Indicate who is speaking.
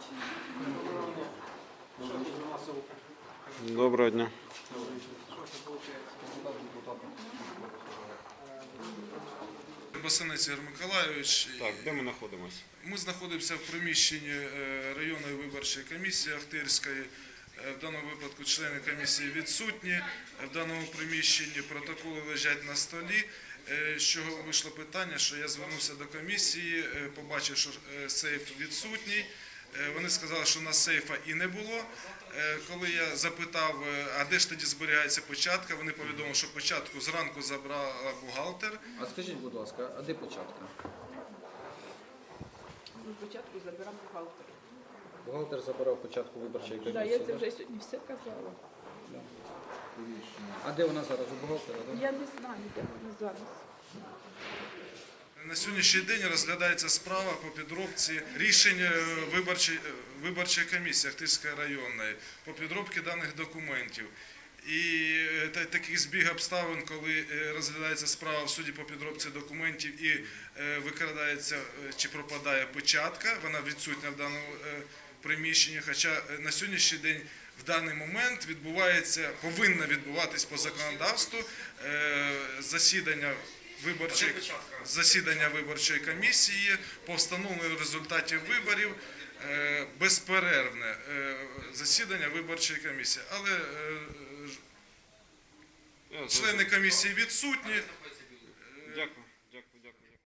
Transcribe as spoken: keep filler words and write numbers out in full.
Speaker 1: Доброго дня.
Speaker 2: Басанець Ігор Миколайович.
Speaker 1: Так, де ми знаходимося?
Speaker 2: Ми знаходимося в приміщенні районної виборчої комісії Ахтирської. В даному випадку члени комісії відсутні. В даному приміщенні протоколи лежать на столі. З чого вийшло питання, що я звернувся до комісії, побачив, що сейф відсутній. Вони сказали, що у нас сейфа і не було. Коли я запитав, а де ж тоді зберігається печатка, вони повідомили, що печатку зранку забрала бухгалтер.
Speaker 3: А скажіть, будь ласка, а де печатка?
Speaker 4: Початку забирав бухгалтер.
Speaker 3: Бухгалтер забирав печатку виборчої комісії.
Speaker 4: Так, я це вже сьогодні все казала.
Speaker 3: Да. А де вона зараз? У бухгалтера? Да?
Speaker 4: Я не знаю, де вона зараз.
Speaker 2: На сьогоднішній день розглядається справа по підробці рішень виборчої, виборчої комісії Ахтирської районної по підробці даних документів. І таких збіг обставин, коли розглядається справа в суді по підробці документів і викрадається чи пропадає печатка, вона відсутня в даному приміщенні, хоча на сьогоднішній день в даний момент відбувається, повинно відбуватись по законодавству засідання Виборчої, засідання виборчої комісії по встановленню результатів виборів, безперервне засідання виборчої комісії. Але члени комісії відсутні.
Speaker 1: Дякую.